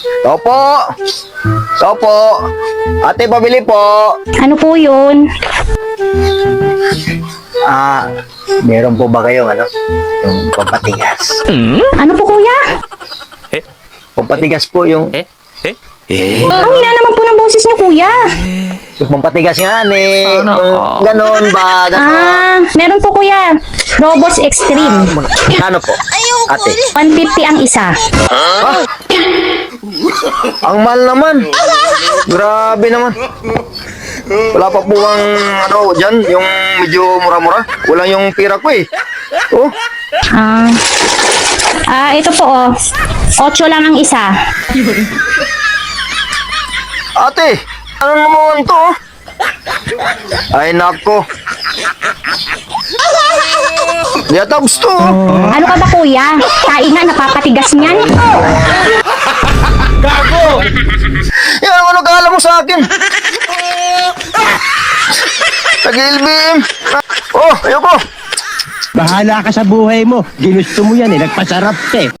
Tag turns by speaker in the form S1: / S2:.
S1: Opo. Opo. Ate, pabili po.
S2: Ano po yun?
S1: Meron po ba kayong yung pampatigas?
S2: Ano po kuya?
S1: Pampatigas po yung
S2: Ang hina naman po ng boses niyo kuya.
S1: pampatigas nga Yung ganon ba?
S2: Meron po kuya. Robos Extreme.
S1: Ano po? Ate.
S2: 150 ang isa.
S1: Ang mahal naman. Grabe naman. Wala pa po ang dyan, yung medyo mura-mura. Kulang yung pira ko eh. Oh,
S2: Ito po 8 lang ang isa.
S1: ate, ano naman to? Ay nako. Yata gusto.
S2: Ano ka ba kuya? Kain nga, napapatigas niyan.
S1: Yan, ano kala mo sa akin? Tag-ilbim. Oh, ayoko.
S3: Bahala ka sa buhay mo. Ginusto mo yan eh. Nagpasarap ka eh.